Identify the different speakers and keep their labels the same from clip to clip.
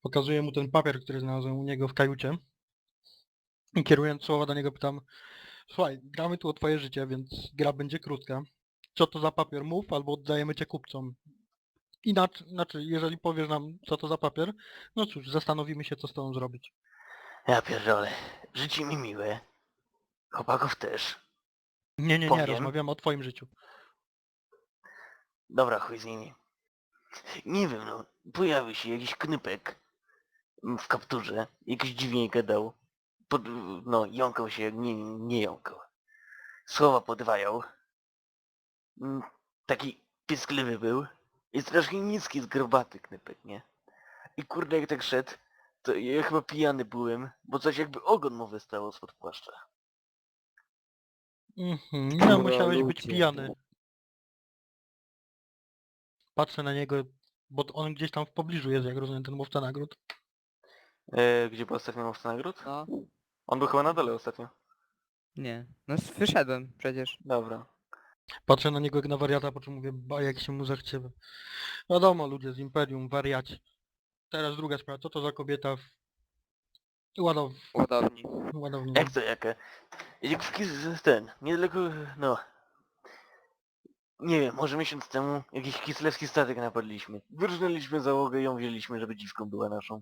Speaker 1: Pokazuję mu ten papier, który znalazłem u niego w kajucie. I kierując słowa do niego pytam, słuchaj, gramy tu o twoje życie, więc gra będzie krótka. Co to za papier? Mów, albo oddajemy cię kupcom. Inaczej, znaczy, jeżeli powiesz nam, co to za papier, no cóż, zastanowimy się, co z tobą zrobić.
Speaker 2: Ja pierdolę. Życie mi miłe. Chłopaków też.
Speaker 1: Nie,
Speaker 2: Powiem.
Speaker 1: rozmawiamy o twoim życiu.
Speaker 2: Dobra, chuj z nimi. Nie wiem, no. Pojawił się jakiś knypek w kapturze. Jakiś dziwnie gadał. No, jąkał się, nie jąkał. Słowa podwajał. Taki piskliwy był. I strasznie niski, zgrobaty knypek, nie? I kurde, jak tak szedł, to ja chyba pijany byłem, bo coś jakby ogon mu wystało spod płaszcza.
Speaker 1: No, musiałeś być
Speaker 3: ludzie.
Speaker 1: pijany. Patrzę na niego, bo on gdzieś tam w pobliżu jest, jak rozumiem, ten mówca nagród.
Speaker 2: Gdzie był ostatnio mówca nagród?
Speaker 3: No,
Speaker 2: On był chyba na dole ostatnio.
Speaker 3: nie. No wyszedłem przecież.
Speaker 2: Dobra.
Speaker 1: Patrzę na niego jak na wariata, po czym mówię, ba, jak się mu zachcie. Wiadomo, ludzie z Imperium, wariaci. Teraz druga sprawa, co to za kobieta w
Speaker 3: Ładowni.
Speaker 1: ładowni?
Speaker 2: Jak to jaka? Jak ten, niedaleko, no. Nie wiem, może miesiąc temu jakiś kislewski statek napadliśmy. Wyrżnęliśmy załogę i ją wzięliśmy, żeby dziwką była naszą.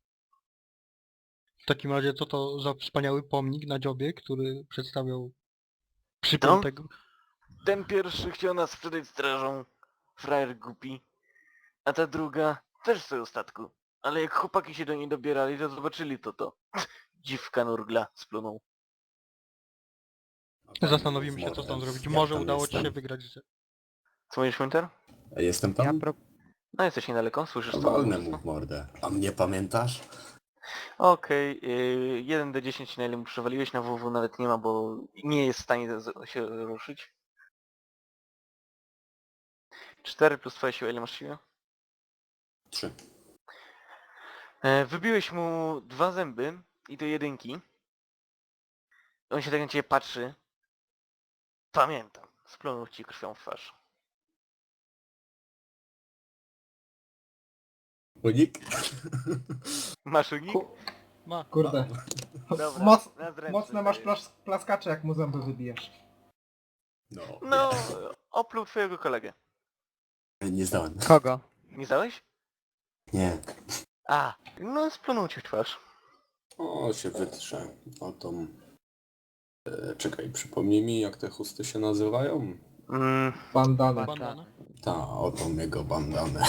Speaker 1: W takim razie, co to za wspaniały pomnik na dziobie, który przedstawiał
Speaker 2: Kto?
Speaker 1: przypiętego...
Speaker 2: Ten pierwszy chciał nas sprzedać strażą. Frajer głupi. A ta druga też sobie statku. Ale jak chłopaki się do niej dobierali, to zobaczyli to. Dziwka nurgla splunął.
Speaker 1: Zastanowimy się, co z tą zrobić. Może udało ci się
Speaker 4: jestem?
Speaker 1: wygrać życie.
Speaker 2: Co mówisz, Winter?
Speaker 4: Jestem
Speaker 3: Ja
Speaker 4: tam?
Speaker 2: No jesteś niedaleko, słyszysz to?
Speaker 4: Walnę mu w mordę. A mnie pamiętasz?
Speaker 2: Okej, 1d10 na ile mu przewaliłeś, na WW nawet nie ma, bo nie jest w stanie się ruszyć. 4 plus twoja siła, ile masz siły?
Speaker 4: 3.
Speaker 2: Wybiłeś mu 2 zęby i to jedynki. On się tak na ciebie patrzy. Pamiętam, splunął ci krwią w twarz.
Speaker 4: Unik?
Speaker 2: Masz unik?
Speaker 1: Ma.
Speaker 5: Kurde.
Speaker 2: Dobra,
Speaker 5: Moc,
Speaker 2: na zręczny
Speaker 5: mocne masz
Speaker 2: dajesz.
Speaker 5: plaskacze, jak mu zęby wybijasz.
Speaker 2: No, opluł twojego kolegę.
Speaker 4: Nie zdałem.
Speaker 3: Kogo?
Speaker 2: Nie zdałeś?
Speaker 4: Nie.
Speaker 2: A, no splunął ci w twarz.
Speaker 4: O, się wytrze. O tą... czekaj, przypomnij mi, jak te chusty się nazywają?
Speaker 5: Bandana.
Speaker 1: Bandana.
Speaker 4: Ta, o tą jego bandanę.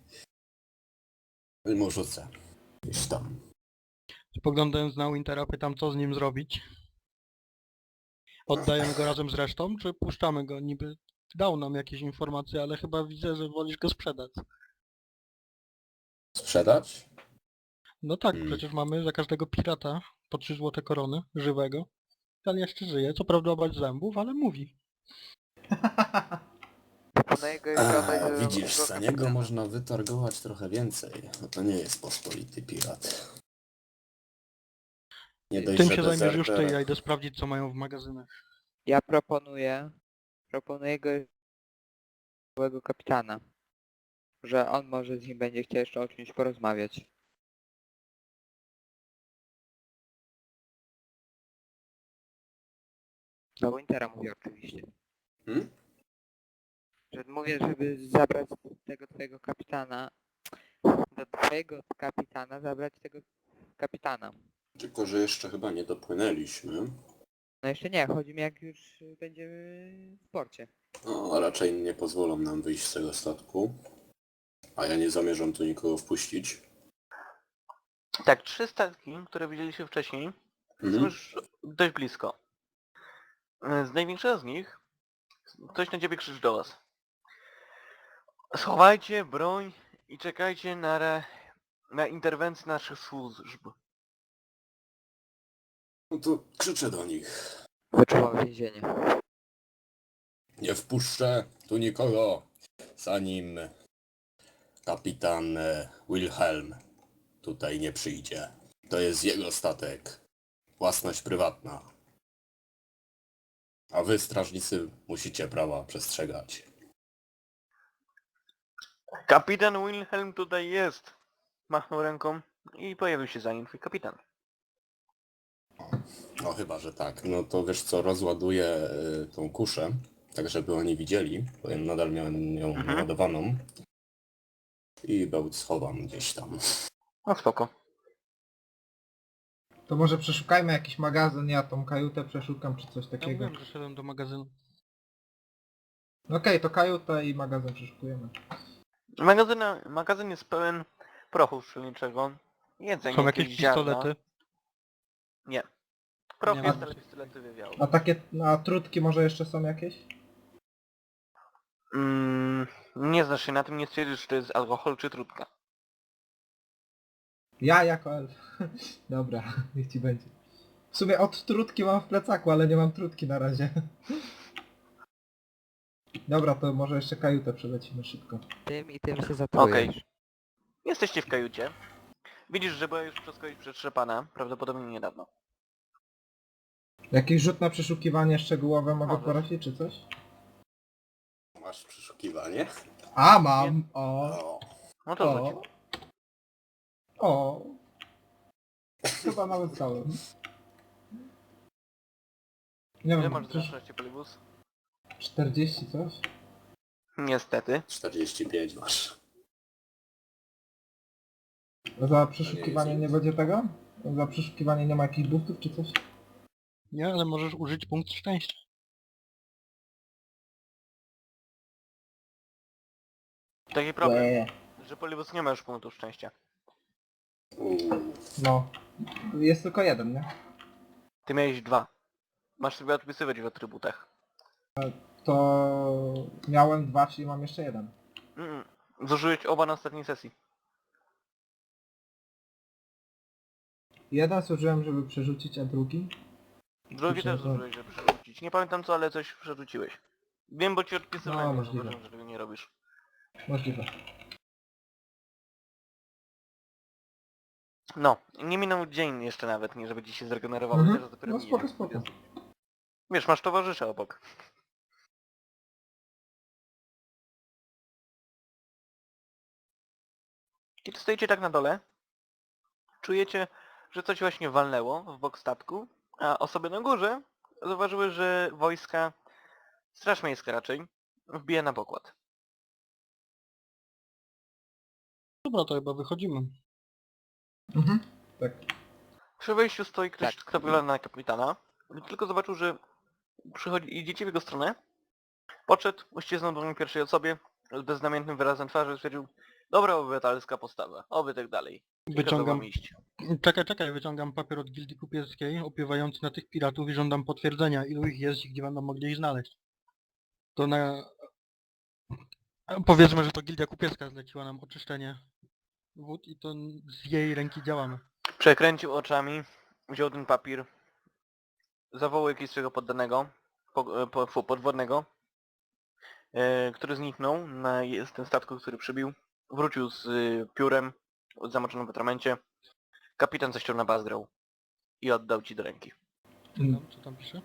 Speaker 4: Mu rzucę. Gdzieś tam.
Speaker 1: Spoglądając na Wintera, pytam, co z nim zrobić. Oddajemy go razem z resztą, czy puszczamy go? Niby dał nam jakieś informacje, ale chyba widzę, że wolisz go sprzedać.
Speaker 4: Sprzedać?
Speaker 1: No tak,
Speaker 4: Hmm.
Speaker 1: przecież mamy za każdego pirata po 3 złote korony, żywego. Ten jeszcze żyje, co prawda bez zębów, ale mówi.
Speaker 3: Proponuję go jeszcze oddać do
Speaker 4: Widzisz,
Speaker 3: do
Speaker 4: za niego
Speaker 3: kapitana.
Speaker 4: można wytargować trochę więcej. No to nie jest pospolity pirat. Nie dość,
Speaker 1: Tym
Speaker 4: że
Speaker 1: się zajmiesz już ty,
Speaker 4: dezerter.
Speaker 1: ja idę sprawdzić, co mają w magazynach.
Speaker 3: Ja proponuję go byłego kapitana. Że on może z nim będzie chciał jeszcze o czymś porozmawiać. Do Wintera mówię oczywiście.
Speaker 4: Hmm?
Speaker 3: Że mówię, żeby zabrać tego twojego kapitana. Do twojego kapitana zabrać tego kapitana.
Speaker 4: Tylko, że jeszcze chyba nie dopłynęliśmy.
Speaker 3: No jeszcze nie, chodzi mi jak już będziemy w porcie.
Speaker 4: No, a raczej nie pozwolą nam wyjść z tego statku. A ja nie zamierzam tu nikogo wpuścić.
Speaker 2: Tak, 3 statki, które widzieliście wcześniej, są
Speaker 4: Mhm.
Speaker 2: już dość blisko. Z największego z nich ktoś na ciebie krzyczy do was. Schowajcie broń i czekajcie na interwencję naszych służb.
Speaker 4: No to krzyczę do nich.
Speaker 3: Wyczuwam więzienie.
Speaker 4: Nie wpuszczę tu nikogo, zanim kapitan Wilhelm tutaj nie przyjdzie. To jest jego statek. Własność prywatna. A wy, strażnicy, musicie prawa przestrzegać.
Speaker 2: Kapitan Wilhelm tutaj jest. Machnął ręką. i pojawił się za nim twój kapitan.
Speaker 4: No chyba, że tak. No to wiesz co, rozładuję tą kuszę, tak żeby oni widzieli, bo ja nadal miałem ją
Speaker 2: Mhm.
Speaker 4: naładowaną. I bełt schowam gdzieś tam.
Speaker 2: No spoko.
Speaker 5: To może przeszukajmy jakiś magazyn, ja tą kajutę przeszukam czy coś
Speaker 1: Ja
Speaker 5: takiego.
Speaker 1: mówiłem, że szedłem do magazynu.
Speaker 5: Okej, to kajutę i magazyn przeszukujemy.
Speaker 2: Magazyn jest pełen prochu strzelniczego, jedzenia,
Speaker 1: Są jakieś
Speaker 2: ziarna.
Speaker 1: pistolety?
Speaker 2: Nie. Proch
Speaker 1: Nie
Speaker 2: jest,
Speaker 1: ma.
Speaker 2: ale pistolety wywiały.
Speaker 5: A takie, a trutki może jeszcze są jakieś?
Speaker 2: Nie znasz się na tym, nie stwierdzisz, czy to jest alkohol, czy trudka.
Speaker 5: Ja jako elf. Dobra, niech ci będzie. W sumie od trutki mam w plecaku, ale nie mam trutki na razie. Dobra, to może jeszcze kajutę przelecimy szybko.
Speaker 3: Tym i tym się zatrujesz.
Speaker 2: Okej. Jesteście w kajucie. Widzisz, że była już przez kogoś przetrzepana, prawdopodobnie niedawno.
Speaker 5: Jakiś rzut na przeszukiwanie szczegółowe mogę
Speaker 2: Możesz.
Speaker 5: prosić czy coś?
Speaker 4: Masz przeszukiwanie?
Speaker 5: A, mam! O!
Speaker 4: O,
Speaker 2: No to
Speaker 5: O!
Speaker 2: rzuć.
Speaker 5: O! Chyba nawet zdałem. Nie
Speaker 2: Ile
Speaker 5: wiem,
Speaker 2: masz
Speaker 5: przecież
Speaker 2: zręczności, Polibus?
Speaker 5: 40 coś?
Speaker 2: Niestety.
Speaker 4: 45 masz.
Speaker 5: Za przeszukiwanie
Speaker 4: nic.
Speaker 5: nie będzie tego? Za przeszukiwanie nie ma jakichś buftów czy coś?
Speaker 1: Nie, ale możesz użyć punkt szczęścia.
Speaker 2: Taki problem,
Speaker 5: Łe.
Speaker 2: że Polibus nie ma już punktu szczęścia.
Speaker 5: No. Jest tylko jeden, nie?
Speaker 2: Ty miałeś 2. Masz sobie odpisywać w atrybutach.
Speaker 5: To miałem 2, czyli mam jeszcze jeden.
Speaker 2: Zużyłeś oba na ostatniej sesji.
Speaker 5: Jeden służyłem, żeby przerzucić, a drugi?
Speaker 2: Drugi też
Speaker 5: Myślę, że-
Speaker 2: zużyłeś, żeby przerzucić. Nie pamiętam co, ale coś przerzuciłeś. Wiem, bo ci odpisywałem,
Speaker 5: No,
Speaker 2: no,
Speaker 5: możliwe.
Speaker 2: zauważyłem, że tego nie robisz.
Speaker 5: Możliwe.
Speaker 2: No, nie minął dzień jeszcze nawet, nie żeby ci się zregenerowało,
Speaker 5: Mhm.
Speaker 2: teraz dopiero
Speaker 5: No
Speaker 2: minie.
Speaker 5: spoko, spoko.
Speaker 2: Wiesz, masz towarzysza obok. Kiedy stoicie tak na dole, czujecie, że coś właśnie walnęło w bok statku, a osoby na górze zauważyły, że wojska, straż miejska raczej, wbija na pokład.
Speaker 1: Dobra, to chyba wychodzimy.
Speaker 5: Mhm. Tak.
Speaker 2: Przy wejściu stoi ktoś,
Speaker 3: Tak.
Speaker 2: kto wygląda na kapitana. Gdy tylko zobaczył, że idziecie w jego stronę, podszedł, uścisnął dłoń pierwszej osobie, z beznamiętnym wyrazem twarzy stwierdził: dobra obywatelska postawa, oby tak dalej. I kazał
Speaker 1: Wyciągam...
Speaker 2: wam iść.
Speaker 1: Czekaj, wyciągam papier od Gildii Kupieckiej opiewający na tych piratów i żądam potwierdzenia, ilu ich jest i gdzie będą mogli ich znaleźć. To na... Powiedzmy, że to Gildia Kupiecka zleciła nam oczyszczenie wód i to z jej ręki działamy.
Speaker 2: Przekręcił oczami, wziął ten papier, zawołał jakiegoś swojego poddanego, podwodnego, który zniknął na tym statku, który przybił. Wrócił z piórem zamoczonym w atramencie. Kapitan zaściął na bazgrał i oddał ci do ręki.
Speaker 1: Co tam pisze?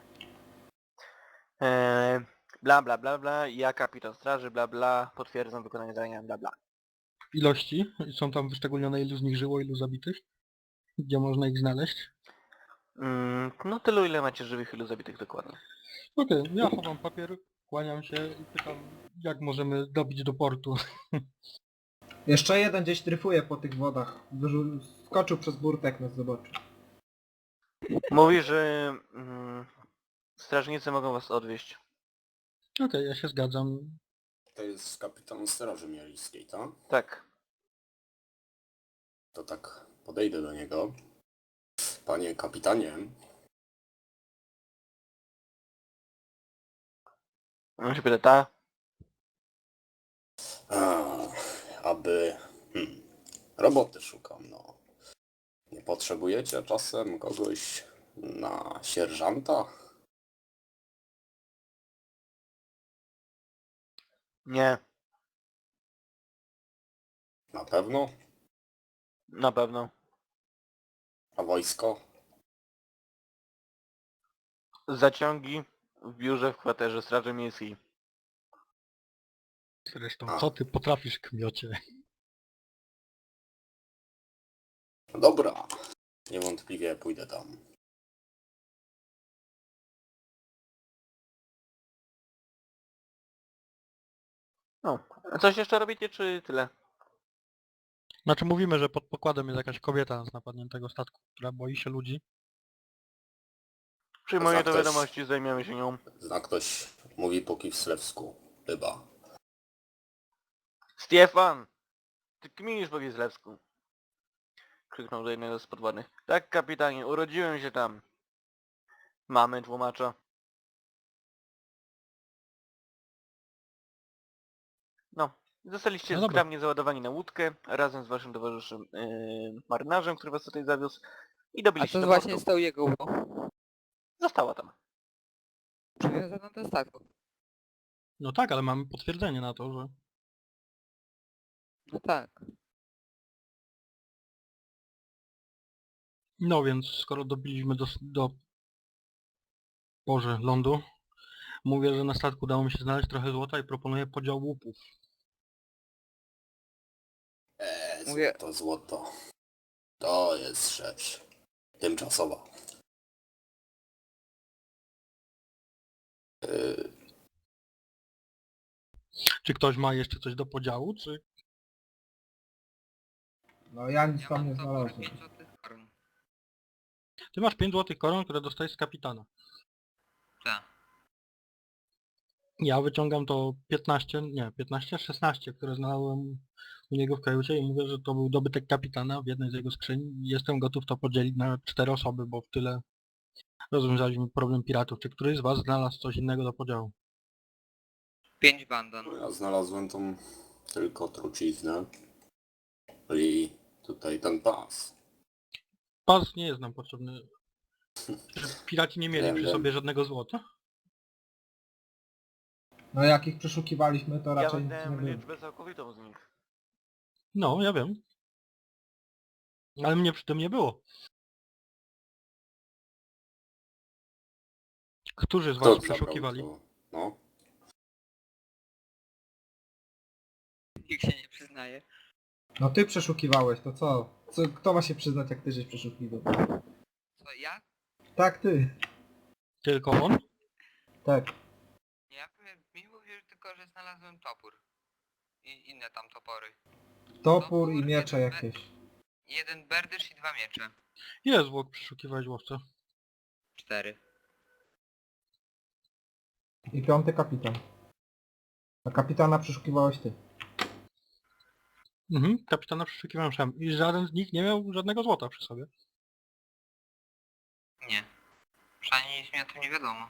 Speaker 2: Bla bla bla bla, ja kapitan straży, bla bla, potwierdzam wykonanie zadania, bla bla.
Speaker 1: Ilości? Są tam wyszczególnione ilu z nich żyło, ilu zabitych? Gdzie można ich znaleźć?
Speaker 2: No tylu ile macie żywych, ilu zabitych dokładnie.
Speaker 1: Okej, ja chowam papier, kłaniam się i pytam, jak możemy dobić do portu.
Speaker 5: Jeszcze jeden gdzieś dryfuje po tych wodach. Skoczył przez burtę, jak nas zobaczył.
Speaker 2: Mówi, że strażnicy mogą was odwieźć.
Speaker 1: Okej, ja się zgadzam.
Speaker 4: To jest kapitan Straży Miejskiej, tak?
Speaker 2: Tak.
Speaker 4: To tak podejdę do niego. Panie kapitanie,
Speaker 2: On się pyta, ta?
Speaker 4: aby... roboty szukam, no. Nie potrzebujecie czasem kogoś na sierżanta?
Speaker 2: Nie,
Speaker 4: Na pewno?
Speaker 2: na pewno.
Speaker 4: A wojsko?
Speaker 2: Zaciągi w biurze w kwaterze Straży Miejskiej.
Speaker 1: Zresztą,
Speaker 4: A.
Speaker 1: co ty potrafisz, kmiocie?
Speaker 4: No dobra, niewątpliwie pójdę tam.
Speaker 2: No, a coś jeszcze robicie, czy tyle?
Speaker 1: Znaczy mówimy, że pod pokładem jest jakaś kobieta z napadniętego statku, która boi się ludzi.
Speaker 2: Przyjmuję
Speaker 4: Zna
Speaker 2: do
Speaker 4: ktoś-
Speaker 2: wiadomości, zajmiemy się nią.
Speaker 4: Zna ktoś, mówi po kislewsku, chyba.
Speaker 2: Stefan! Ty kminisz po Gisłewsku. Krzyknął do jednego z podwładnych. Tak, kapitanie, urodziłem się tam. Mamy tłumacza. No, zostaliście
Speaker 1: No dobra.
Speaker 2: zgrabnie załadowani na łódkę razem z waszym towarzyszem marynarzem, który was tutaj zawiózł i
Speaker 3: A
Speaker 2: dobiliście
Speaker 3: co
Speaker 2: do
Speaker 3: właśnie
Speaker 2: portu.
Speaker 3: z tą jego łódką?
Speaker 2: Została tam.
Speaker 3: Przywiązano do statku.
Speaker 1: No tak, ale mamy potwierdzenie na to, że...
Speaker 3: No tak.
Speaker 1: No więc skoro dobiliśmy Boże, lądu, mówię, że na statku udało mi się znaleźć trochę złota i proponuję podział łupów.
Speaker 3: Mówię-
Speaker 4: Złoto. To jest rzecz tymczasowa.
Speaker 1: Czy ktoś ma jeszcze coś do podziału, czy...
Speaker 5: No ja nic tam nie znalazłem.
Speaker 1: Ty masz 5 złotych koron, które dostajesz z kapitana.
Speaker 3: Tak.
Speaker 1: Ja wyciągam to 16, które znalazłem u niego w kajucie i mówię, że to był dobytek kapitana w jednej z jego skrzyń. Jestem gotów to podzielić na 4 osoby, bo w tyle rozwiązaliśmy problem piratów. Czy któryś z was znalazł coś innego do podziału?
Speaker 3: 5 bandon.
Speaker 4: Ja znalazłem tą tylko truciznę. I tutaj ten pas.
Speaker 1: Pas nie jest nam potrzebny. Czy piraci nie mieli
Speaker 4: Wiem,
Speaker 1: przy
Speaker 4: wiem.
Speaker 1: sobie żadnego złota?
Speaker 5: No jak ich przeszukiwaliśmy, to
Speaker 2: Ja
Speaker 5: raczej nic nie
Speaker 2: wydałem
Speaker 5: było.
Speaker 2: liczbę całkowitą z nich.
Speaker 1: No, ja wiem. Ale mnie przy tym nie było. Którzy z
Speaker 4: Kto
Speaker 1: was
Speaker 4: zabrał
Speaker 1: przeszukiwali?
Speaker 4: to? No.
Speaker 3: Nikt się nie przyznaje.
Speaker 5: No ty przeszukiwałeś, to co? Kto ma się przyznać, jak ty żeś przeszukiwał?
Speaker 3: Co, ja?
Speaker 5: Tak, ty.
Speaker 1: Tylko on?
Speaker 5: Tak.
Speaker 3: Nie, ja powiem, mi mówił tylko, że znalazłem topór. I inne tam topory.
Speaker 5: Topór i miecze jakieś.
Speaker 3: Jeden berdysz i 2 miecze.
Speaker 1: Ile zwłok przeszukiwałeś, łowca?
Speaker 3: 4.
Speaker 5: I 5. kapitan. A kapitana przeszukiwałeś ty.
Speaker 1: Mhm, kapitana przeszukiwałem sam. I żaden z nich nie miał żadnego złota przy sobie.
Speaker 3: Nie. Przynajmniej nic mi o tym nie wiadomo.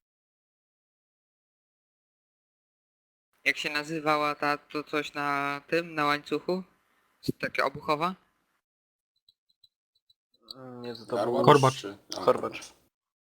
Speaker 3: Jak się nazywała to coś na tym, na łańcuchu? Takie obuchowa?
Speaker 2: Nie, co to
Speaker 4: Garłacz
Speaker 2: było.
Speaker 1: Korbacz.
Speaker 4: czy- A,
Speaker 2: Korbacz.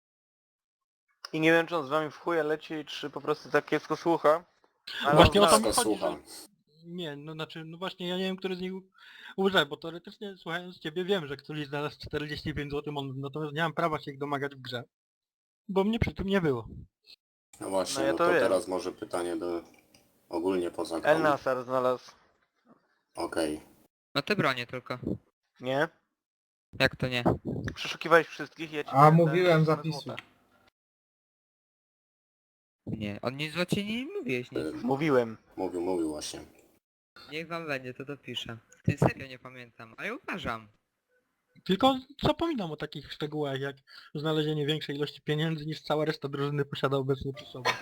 Speaker 2: I nie wiem, czy on z wami w chuja leci, czy po prostu tak kiepsko słucha. Ale
Speaker 1: Właśnie
Speaker 2: on
Speaker 1: o to
Speaker 2: zna-
Speaker 1: mi chodzi,
Speaker 4: słucham.
Speaker 1: Nie, no znaczy, no właśnie ja nie wiem, który z nich użyłem, bo teoretycznie słuchając ciebie wiem, że któryś znalazł 45 zł, natomiast nie mam prawa się ich domagać w grze. Bo mnie przy tym nie było.
Speaker 4: No właśnie,
Speaker 2: No ja
Speaker 4: no
Speaker 2: to
Speaker 4: to
Speaker 2: wiem.
Speaker 4: teraz może pytanie do ogólnie poza grą.
Speaker 2: El Nasar znalazł.
Speaker 4: Okej.
Speaker 3: No te bronie tylko.
Speaker 2: Nie?
Speaker 3: Jak to nie?
Speaker 2: Przeszukiwałeś wszystkich, ja ci
Speaker 5: A
Speaker 2: dałem
Speaker 5: mówiłem,
Speaker 2: same
Speaker 5: zapisuj.
Speaker 2: złota.
Speaker 3: Nie, on nic złocie nie mówiłeś nic.
Speaker 2: Mówiłem.
Speaker 4: Mówił właśnie.
Speaker 3: Niech wam będzie, to dopiszę. Ty serio nie pamiętam, ale uważam.
Speaker 1: Tylko zapominam o takich szczegółach jak znalezienie większej ilości pieniędzy niż cała reszta drużyny posiada obecnie przy sobie.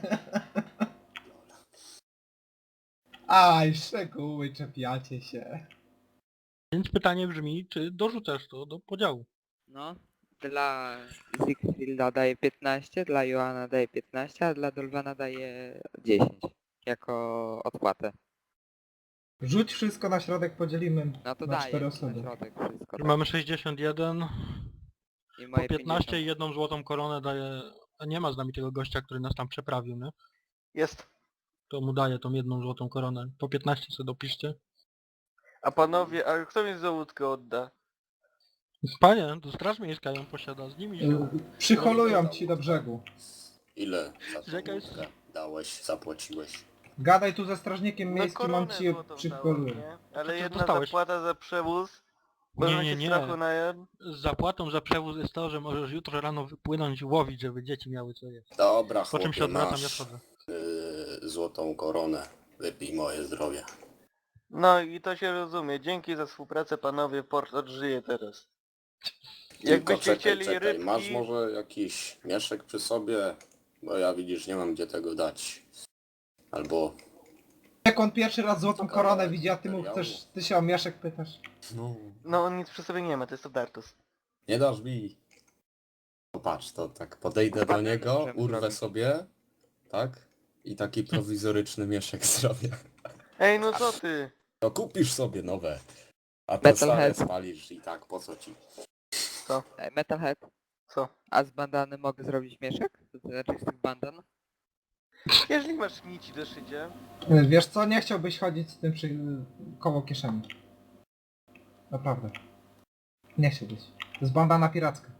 Speaker 5: Aj, szczegóły, czepiacie się.
Speaker 1: Więc pytanie brzmi, czy dorzucasz to do podziału?
Speaker 3: No, dla Siegfrieda daje 15, dla Joana daje 15, a dla Dolwana daje 10. Jako odpłatę.
Speaker 5: Rzuć wszystko na środek, podzielimy
Speaker 3: No to
Speaker 5: na
Speaker 3: daję
Speaker 5: 4
Speaker 3: na
Speaker 5: osoby.
Speaker 3: środek wszystko.
Speaker 1: Że mamy 61,
Speaker 3: I
Speaker 1: po
Speaker 3: moje
Speaker 1: 15 i
Speaker 3: 50.
Speaker 1: jedną złotą koronę daje... A nie ma z nami tego gościa, który nas tam przeprawił, nie?
Speaker 2: Jest.
Speaker 1: To mu daje tą jedną złotą koronę. Po 15 sobie dopiszcie.
Speaker 2: A panowie, a kto mi za łódkę odda?
Speaker 1: Panie, to straż miejska ją posiada, z nimi się...
Speaker 5: Przyholują ci do brzegu.
Speaker 4: Ile za tą
Speaker 1: Jaka jest-
Speaker 4: łódkę dałeś, zapłaciłeś?
Speaker 5: Gadaj tu ze strażnikiem
Speaker 2: No
Speaker 5: miejskim, on
Speaker 2: koronę
Speaker 5: ci
Speaker 2: złotą
Speaker 5: przyholuje.
Speaker 2: dałem, nie? Ale
Speaker 1: ty
Speaker 2: jedna
Speaker 1: dostałeś?
Speaker 2: zapłata za przewóz Bo
Speaker 1: Nie.
Speaker 2: strachu na...
Speaker 1: Z zapłatą za przewóz jest to, że możesz jutro rano wypłynąć łowić, żeby dzieci miały co jeść.
Speaker 4: Dobra,
Speaker 1: Po czym się
Speaker 4: chłopie,
Speaker 1: odwracam, ja
Speaker 4: masz
Speaker 1: schodzę.
Speaker 4: złotą koronę. Wypij moje zdrowie.
Speaker 2: No i to się rozumie. Dzięki za współpracę panowie, port odżyje teraz.
Speaker 4: Tylko
Speaker 2: Jakbyście chcieli
Speaker 4: czekaj,
Speaker 2: rybki...
Speaker 4: masz może jakiś mieszek przy sobie? Bo ja widzisz, nie mam gdzie tego dać. Albo...
Speaker 5: Jak on pierwszy raz złotą
Speaker 4: Co
Speaker 5: koronę
Speaker 4: kawałek
Speaker 5: widzi, a ty mu
Speaker 4: materiału?
Speaker 5: chcesz, ty się o mieszek pytasz.
Speaker 4: No...
Speaker 2: No on nic przy sobie nie ma, to jest Odartus.
Speaker 4: Nie dasz mi. Popatrz, to tak podejdę do niego,
Speaker 3: Możemy
Speaker 4: urwę
Speaker 3: zrobić.
Speaker 4: sobie, tak? I taki prowizoryczny mieszek zrobię.
Speaker 2: Ej, no co ty?
Speaker 4: To kupisz sobie nowe. A te stare
Speaker 3: Metalhead.
Speaker 4: spalisz i tak, po co ci?
Speaker 2: Co?
Speaker 3: Metalhead,
Speaker 2: Co?
Speaker 3: a z bandany mogę zrobić mieszek? To znaczy z tych bandan?
Speaker 2: Jeżeli masz nici do szycia...
Speaker 5: Wiesz co, nie chciałbyś chodzić z tym koło kieszeni. Naprawdę. Nie chciałbyś. To jest bandana piracka.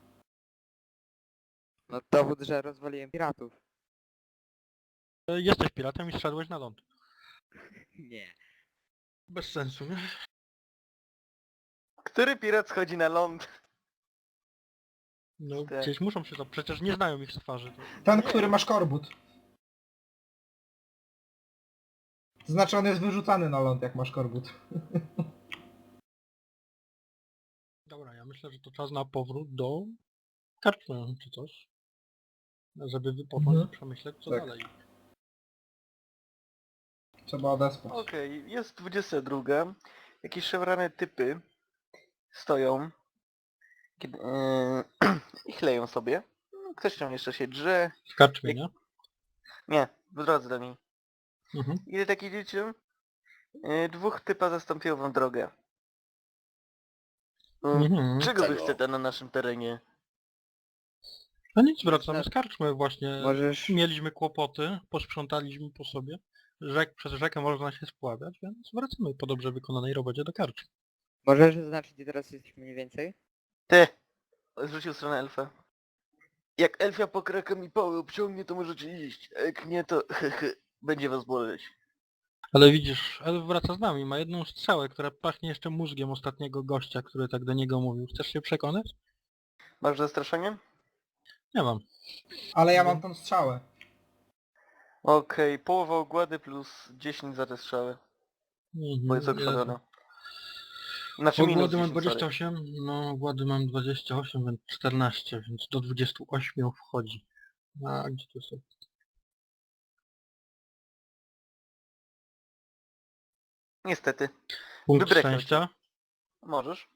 Speaker 3: No dowód, że rozwaliłem piratów.
Speaker 1: Jesteś piratem i zszedłeś na ląd.
Speaker 3: Nie.
Speaker 1: Bez sensu, nie?
Speaker 2: Który pirat schodzi na ląd?
Speaker 1: No
Speaker 2: Tak.
Speaker 1: gdzieś muszą się to, przecież nie znają ich z twarzy. To...
Speaker 5: Ten, który ma szkorbut. To znaczy on jest wyrzucany na ląd, jak ma szkorbut.
Speaker 1: Dobra, ja myślę, że to czas na powrót do karczmy czy coś. Żeby wypocząć
Speaker 5: Mhm.
Speaker 1: i przemyśleć co
Speaker 5: Tak.
Speaker 1: dalej.
Speaker 5: Trzeba odespać.
Speaker 2: Okej, jest 22. Jakieś szewrane typy stoją kiedy, i chleją sobie. Ktoś tam jeszcze się drze.
Speaker 1: W karczmie, nie?
Speaker 2: Nie, w drodze do niej.
Speaker 1: Mhm.
Speaker 2: Ile tak idziecie? Dwóch typa zastąpiło wam drogę.
Speaker 1: Mhm.
Speaker 2: Czego wy
Speaker 4: Czego?
Speaker 2: chcecie na naszym terenie?
Speaker 1: No nic, wracamy z karczmy właśnie.
Speaker 3: Możesz...
Speaker 1: Mieliśmy kłopoty, posprzątaliśmy po sobie. Przez rzekę można się spławiać, więc wracamy po dobrze wykonanej robocie do karczmy.
Speaker 3: Możesz zaznaczyć, gdzie teraz jesteśmy mniej więcej?
Speaker 2: Ty! Zwrócił stronę elfa. Jak elfia pokraka mi pały obciągnie, to możecie iść. A jak nie, to będzie was boleć.
Speaker 1: Ale widzisz, Elf wraca z nami, ma jedną strzałę, która pachnie jeszcze mózgiem ostatniego gościa, który tak do niego mówił. Chcesz się przekonać?
Speaker 2: Masz zastraszenie?
Speaker 1: Nie mam.
Speaker 5: Ale ja mam tą strzałę.
Speaker 2: Okej, połowa ogłady plus 10 za te strzały. Bo jest okrwawiona. Znaczy minus
Speaker 1: Ogłady mam
Speaker 2: 10, sorry.
Speaker 1: 28, no ogłady mam 28, więc 14, więc do 28 wchodzi. A gdzie to są?
Speaker 2: Niestety.
Speaker 1: Punkt
Speaker 2: Wybrekał
Speaker 1: szczęścia.
Speaker 2: Możesz.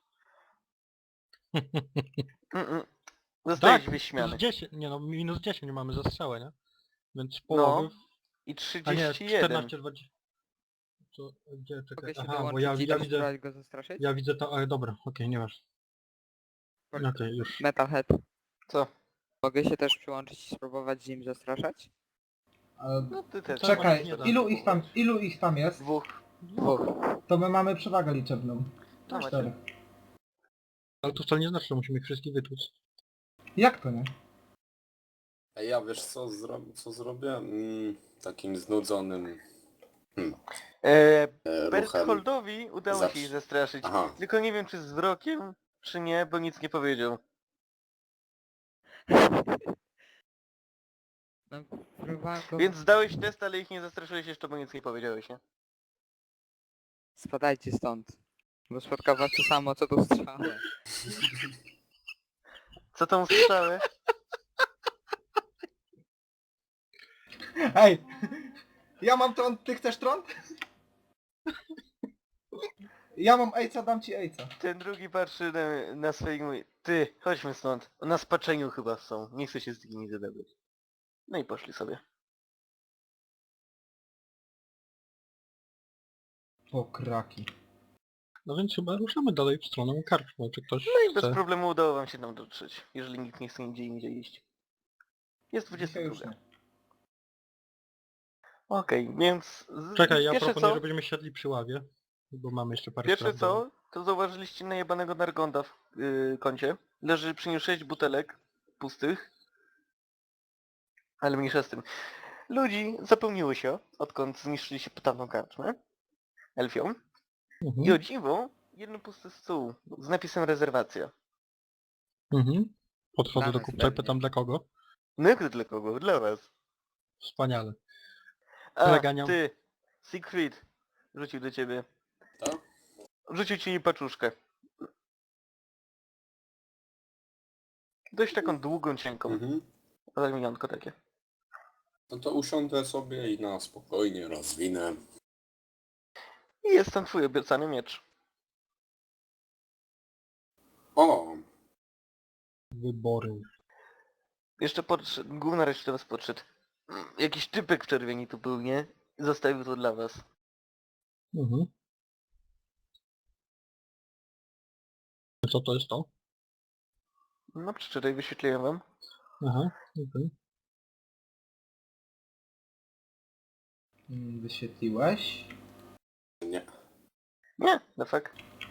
Speaker 2: Zostajesz
Speaker 1: Tak,
Speaker 2: wyśmiany.
Speaker 1: plus 10, nie no, minus 10 mamy za strzałę, nie? Więc
Speaker 2: No,
Speaker 1: połowy...
Speaker 2: I
Speaker 1: A nie,
Speaker 2: 31.
Speaker 1: 14, 20... Co, gdzie, czekaj,
Speaker 3: Mogę się
Speaker 1: aha, bo
Speaker 3: dołączyć
Speaker 1: ja
Speaker 3: i też
Speaker 1: widzę...
Speaker 3: spróbować go zastraszyć?
Speaker 1: Ja widzę to, ale dobra, okej, nie masz. Okej, już.
Speaker 3: Metalhead.
Speaker 2: Co?
Speaker 3: Mogę się też przyłączyć i spróbować z nim zastraszać?
Speaker 5: Ale...
Speaker 2: No ty też.
Speaker 5: Czekaj,
Speaker 1: nie da.
Speaker 5: ilu ich tam jest?
Speaker 2: Dwóch.
Speaker 3: Dwóch.
Speaker 5: To my mamy przewagę liczebną.
Speaker 2: No macie.
Speaker 5: 4.
Speaker 1: Ale to wcale nie znaczy, że musimy ich wszystkich wytłuc.
Speaker 5: Jak to nie?
Speaker 4: A ja wiesz co zrobię? Takim znudzonym ruchem.
Speaker 2: Bertholdowi udało się ich zastraszyć.
Speaker 4: Aha.
Speaker 2: Tylko nie wiem czy z wzrokiem, czy nie, bo nic nie powiedział.
Speaker 3: No, próbowałem go...
Speaker 2: Więc zdałeś test, ale ich nie zastraszyłeś jeszcze, bo nic nie powiedziałeś, nie?
Speaker 3: Spadajcie stąd. Bo spotka was to samo, co tu strzałę.
Speaker 2: Co tą strzałę?
Speaker 5: Ej! Ja mam tron, ty chcesz tron? Ja mam ejca, dam ci ejca.
Speaker 2: Ten drugi patrzy na swoich mówi, ty, chodźmy stąd. Na spaczeniu chyba są, nie chcę się z nimi zadebrać. No i poszli sobie.
Speaker 5: Pokraki.
Speaker 1: No więc chyba ruszamy dalej w stronę karczmy, czy ktoś
Speaker 2: No i bez
Speaker 1: chce.
Speaker 2: problemu udało wam się tam dotrzeć, jeżeli nikt nie chce nigdzie indziej iść. Jest
Speaker 5: Dzisiaj już
Speaker 2: 22.
Speaker 5: nie.
Speaker 2: Okej, więc...
Speaker 1: Czekaj, ja
Speaker 2: pierwsze
Speaker 1: proponuję,
Speaker 2: co,
Speaker 1: żebyśmy siedli przy ławie, bo mamy jeszcze parę
Speaker 2: Pierwsze
Speaker 1: spraw do-
Speaker 2: co, to zauważyliście najebanego Nargonda w kącie. Leży przy nim 6 butelek pustych. Ale mniejsza z tym. Ludzi zapełniło się, odkąd zniszczyli się tamtą karczmę. Elfią. I o
Speaker 1: Mhm.
Speaker 2: dziwo, jeden pusty stół z napisem rezerwacja.
Speaker 1: Mhm. Podchodzę
Speaker 3: Dla
Speaker 1: do
Speaker 3: nas
Speaker 1: kupca i
Speaker 3: pewnie.
Speaker 1: pytam dla kogo.
Speaker 2: No jak to dla kogo? Dla was.
Speaker 1: Wspaniale.
Speaker 2: A,
Speaker 1: Zaganiam.
Speaker 2: ty, Siegfried, rzucił do ciebie.
Speaker 4: Tak?
Speaker 2: Rzucił ci paczuszkę. Dość taką długą, cienką.
Speaker 4: Mhm.
Speaker 2: Zamienionko takie.
Speaker 4: No to usiądę sobie i na spokojnie rozwinę.
Speaker 2: I jest tam twój obiecany miecz.
Speaker 4: O!
Speaker 1: Wybory.
Speaker 2: Jeszcze podszedł, główna reszta do was podszedł. Jakiś typek w czerwieni tu był, nie? Zostawił to dla was.
Speaker 1: Mhm. Co to jest to?
Speaker 2: No przeczytaj, wyświetliłem wam.
Speaker 1: Aha, okej.
Speaker 5: Wyświetliłeś?
Speaker 4: Nie.
Speaker 2: Nie, no fuck.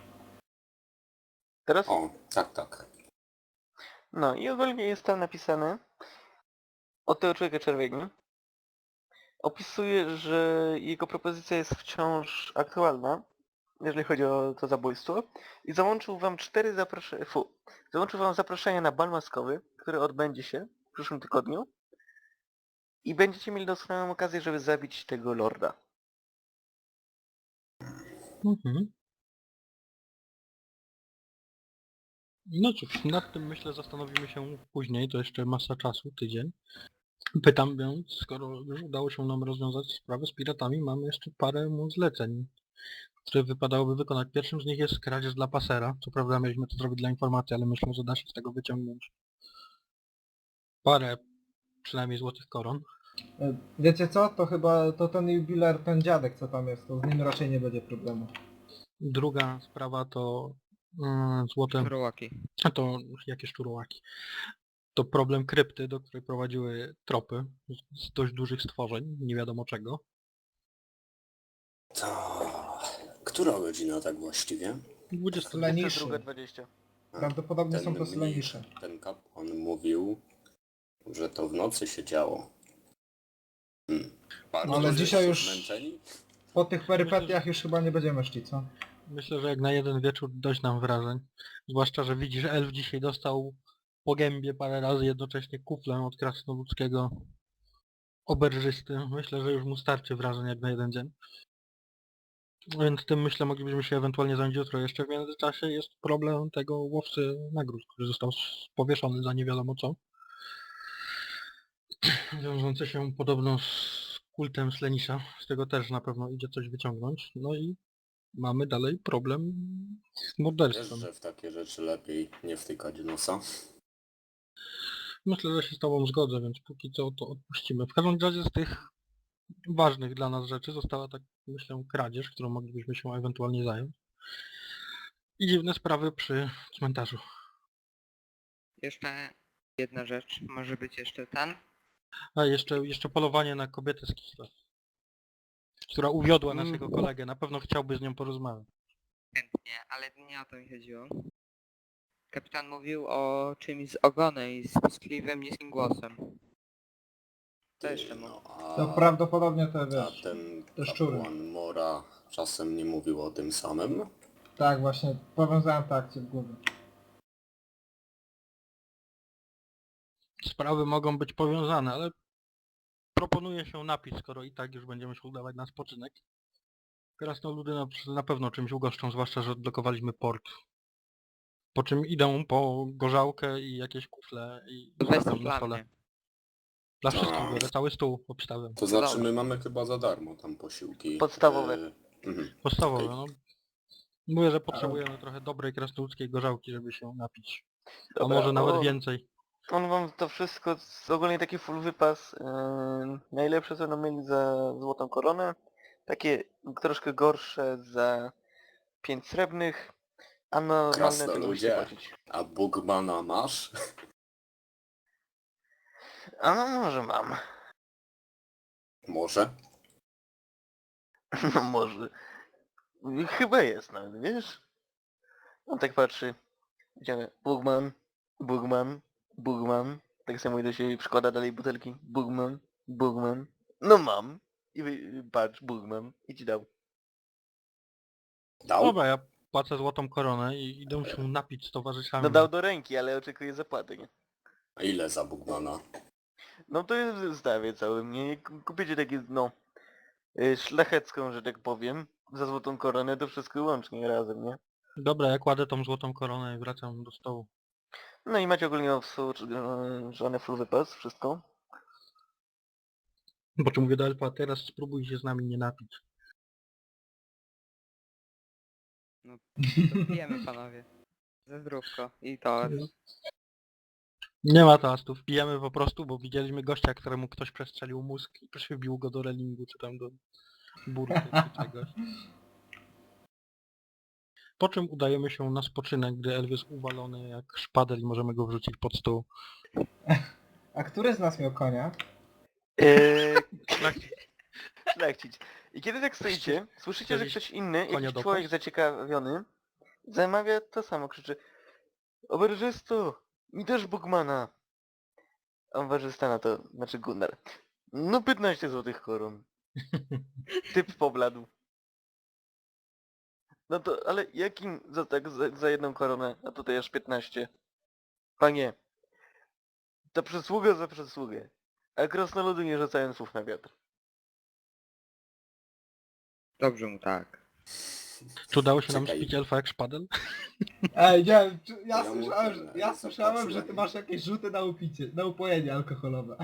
Speaker 2: Teraz?
Speaker 4: O, tak, tak.
Speaker 2: No i ogólnie jest tam napisane od tego człowieka czerwieni. Opisuje, że jego propozycja jest wciąż aktualna, jeżeli chodzi o to zabójstwo. I załączył wam załączył wam zaproszenie na bal maskowy, który odbędzie się w przyszłym tygodniu. I będziecie mieli doskonałą okazję, żeby zabić tego lorda.
Speaker 1: Mhm. No cóż, nad tym myślę zastanowimy się później, to jeszcze masa czasu, tydzień. Pytam więc, skoro już udało się nam rozwiązać sprawę z piratami, mamy jeszcze parę mu zleceń, które wypadałoby wykonać. Pierwszym z nich jest kradzież dla pasera. Co prawda mieliśmy to zrobić dla informacji, ale myślę, że da się z tego wyciągnąć parę przynajmniej złotych koron.
Speaker 5: Wiecie co? To chyba to ten jubiler, ten dziadek co tam jest, to z nim raczej nie będzie problemu.
Speaker 1: Druga sprawa to złote...
Speaker 3: Szczurołaki.
Speaker 1: To jakie szczurołaki? To problem krypty, do której prowadziły tropy z dość dużych stworzeń, nie wiadomo czego.
Speaker 4: To... Która godzina tak właściwie?
Speaker 1: 20.
Speaker 5: Leniszy.
Speaker 2: 22:20.
Speaker 5: Prawdopodobnie są to
Speaker 4: mniejszy,
Speaker 5: lenisze.
Speaker 4: ten kapłan mówił, że to w nocy się działo. Bardzo
Speaker 5: No ale
Speaker 4: żeście
Speaker 5: dzisiaj już-
Speaker 4: zmęczeni?
Speaker 5: Po tych perypetiach już chyba nie będziemy szli, co?
Speaker 1: Myślę, że jak na jeden wieczór dość nam wrażeń. Zwłaszcza, że widzisz, elf dzisiaj dostał po gębie parę razy jednocześnie kuflem od krasnoludzkiego oberżysty. Myślę, że już mu starczy wrażeń jak na jeden dzień. Więc tym myślę moglibyśmy się ewentualnie zająć jutro. Jeszcze w międzyczasie jest problem tego łowcy nagród, który został powieszony za nie wiadomo co. Wiążący się podobno z kultem Slenisza. Z tego też na pewno idzie coś wyciągnąć. No i mamy dalej problem z
Speaker 4: Wiesz,
Speaker 1: morderstwem.
Speaker 4: że w takie rzeczy lepiej nie wtykać nosa?
Speaker 1: Myślę, że się z tobą zgodzę, więc póki co to odpuścimy. W każdym razie z tych ważnych dla nas rzeczy została tak, myślę, kradzież, którą moglibyśmy się ewentualnie zająć. I dziwne sprawy przy cmentarzu.
Speaker 3: Jeszcze jedna rzecz, może być jeszcze ten.
Speaker 1: A jeszcze polowanie na kobietę z Kislew, która uwiodła naszego kolegę. Na pewno chciałby z nią porozmawiać.
Speaker 3: Chętnie, ale nie o to mi chodziło. Kapitan mówił o czymś z ogonem i z piskliwym, niskim głosem. Co jeszcze mu?
Speaker 4: No,
Speaker 5: To prawdopodobnie te,
Speaker 4: a
Speaker 5: wiesz,
Speaker 4: ten
Speaker 5: te szczury.
Speaker 4: kapłan Mora czasem nie mówił o tym samym?
Speaker 5: Tak właśnie, powiązałem to akcję w głowie.
Speaker 1: Sprawy mogą być powiązane, ale proponuję się napić, skoro i tak już będziemy się udawać na spoczynek. Krasnoludy na pewno czymś ugoszczą, zwłaszcza, że odblokowaliśmy port. Po czym idą po gorzałkę i jakieś kufle i
Speaker 3: To weź to
Speaker 1: stawiam na
Speaker 3: dla
Speaker 1: stole.
Speaker 3: mnie.
Speaker 1: Dla wszystkich biorę, cały stół obstawiam.
Speaker 4: To znaczy
Speaker 3: Dobra.
Speaker 4: my mamy chyba za darmo tam posiłki.
Speaker 2: Podstawowe.
Speaker 1: Podstawowe,
Speaker 4: Okej.
Speaker 1: no. Mówię, że potrzebujemy trochę dobrej krasnoludzkiej gorzałki, żeby się napić. A
Speaker 2: Dobra,
Speaker 1: może nawet więcej.
Speaker 2: On wam to wszystko, ogólnie taki full wypas, najlepsze co będą mieli za złotą koronę, takie troszkę gorsze za 5 srebrnych, a normalne to nie
Speaker 4: Krasnoludzie.
Speaker 2: musicie płacić.
Speaker 4: A Bugmana masz?
Speaker 2: A no może mam.
Speaker 4: Może?
Speaker 2: No może. Chyba jest nawet, wiesz? On tak patrzy. Idziemy. Bugman, Bugman, Bugman. Tak samo do siebie przykłada dalej butelki. Bugman, Bugman. No mam. I patrz, Bugman. I ci dał.
Speaker 4: Dał?
Speaker 1: Dobra, ja płacę złotą koronę i idę się napić z towarzyszami.
Speaker 2: No dał do ręki, ale oczekuje zapłaty, nie?
Speaker 4: A ile za Bugmana?
Speaker 2: No to jest w zestawie całym, nie? Jak kupicie takie, no... szlachecką, że tak powiem, za złotą koronę, to wszystko łącznie razem, nie?
Speaker 1: Dobra, ja kładę tą złotą koronę i wracam do stołu.
Speaker 2: No i macie ogólnie żony full wypas, wszystko.
Speaker 1: Po czym mówię do Elfa, teraz spróbuj się z nami nie napić.
Speaker 3: To pijemy, panowie. Ze zdrówko. I to...
Speaker 1: Nie ma toastów, pijemy po prostu, bo widzieliśmy gościa, któremu ktoś przestrzelił mózg i przybił go do relingu, czy tam do burty, czy czegoś. Po czym udajemy się na spoczynek, gdy Elf jest uwalony jak szpadel i możemy go wrzucić pod stół.
Speaker 5: A który z nas miał konia?
Speaker 2: Szlachcic. I kiedy tak stoicie, słyszycie, że ktoś inny,
Speaker 1: konia
Speaker 2: jakiś
Speaker 1: do
Speaker 2: człowiek
Speaker 1: pas?
Speaker 2: zaciekawiony, zamawia to samo, krzyczy: Oberżysto, mi też Bugmana. A oberżysta na to, znaczy Gunnar: no 15 złotych koron. Typ pobladł. No to, ale jakim za tak, za jedną koronę, a tutaj aż 15? Panie, ta przysługa za przysługę, a krasnoludy nie rzucają słów na wiatr.
Speaker 3: Dobrze mu tak.
Speaker 1: Czy udało się nam
Speaker 4: Czekaj.
Speaker 1: spić Elfa jak szpadel?
Speaker 5: Ej, nie, ja
Speaker 4: Ja
Speaker 5: słyszałem,
Speaker 4: muszę
Speaker 5: ja słyszałem, że ty
Speaker 4: zapłaciłem.
Speaker 5: masz jakieś rzuty na upicie, na upojenie alkoholowe.